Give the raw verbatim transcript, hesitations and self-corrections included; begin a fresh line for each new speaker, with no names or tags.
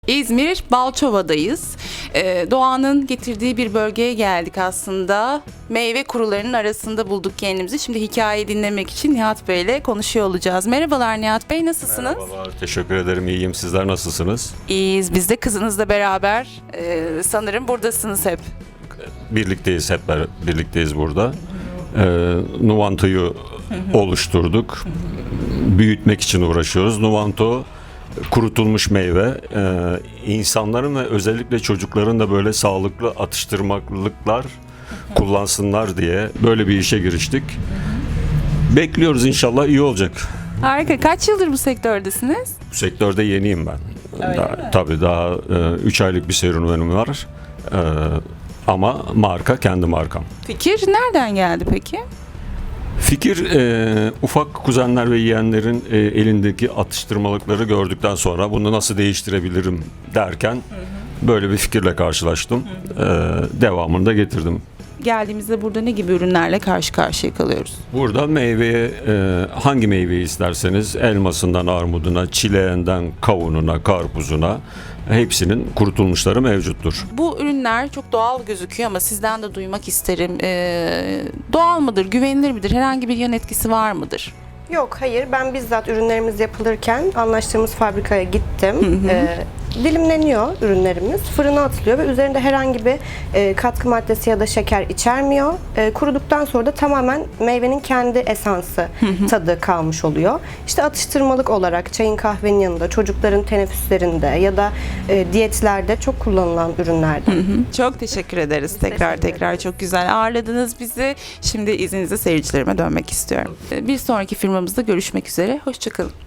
İzmir Balçova'dayız. Ee, doğanın getirdiği bir bölgeye geldik aslında. Meyve kurularının arasında bulduk kendimizi. Şimdi hikayeyi dinlemek için Nihat Bey ile konuşuyor olacağız. Merhabalar Nihat Bey, nasılsınız?
Merhabalar, teşekkür ederim. İyiyim. Sizler nasılsınız?
İyiyiz. Biz de kızınızla beraber e, sanırım buradasınız hep.
Birlikteyiz, hep ber- birlikteyiz burada. Ee, Nuvanto'yu oluşturduk. Büyütmek için uğraşıyoruz. Nuvanto kurutulmuş meyve. Ee, insanların ve özellikle çocukların da böyle sağlıklı atıştırmalıklar kullansınlar diye böyle bir işe giriştik. Bekliyoruz, inşallah iyi olacak.
Harika. Kaç yıldır bu sektördesiniz?
Bu sektörde yeniyim ben.
Öyle
Daha-
mi?
Tabii daha üç aylık bir serüvenim var. Ee, ama marka kendi markam.
Fikir nereden geldi peki?
Fikir e, ufak kuzenler ve yeğenlerin e, elindeki atıştırmalıkları gördükten sonra bunu nasıl değiştirebilirim derken böyle bir fikirle karşılaştım. Ee, devamını da getirdim.
Geldiğimizde burada ne gibi ürünlerle karşı karşıya kalıyoruz?
Burada meyveye e, hangi meyveyi isterseniz elmasından armuduna, çileğinden kavununa, karpuzuna hepsinin kurutulmuşları mevcuttur.
Bu ürünler çok doğal gözüküyor ama sizden de duymak isterim. Ee, doğal mıdır, güvenilir midir, herhangi bir yan etkisi var mıdır?
Yok, hayır. Ben bizzat ürünlerimiz yapılırken anlaştığımız fabrikaya gittim. Ee, dilimleniyor ürünlerimiz, fırına atılıyor ve üzerinde herhangi bir e, katkı maddesi ya da şeker içermiyor. E, kuruduktan sonra da tamamen meyvenin kendi esansı, tadı kalmış oluyor. İşte atıştırmalık olarak çayın, kahvenin yanında, çocukların teneffüslerinde ya da e, diyetlerde çok kullanılan ürünlerden.
Çok teşekkür ederiz. Tekrar
teşekkür
tekrar çok güzel ağırladınız bizi. Şimdi izninizle seyircilerime dönmek istiyorum. Ee, Bir sonraki firmamızda görüşmek üzere. Hoşçakalın.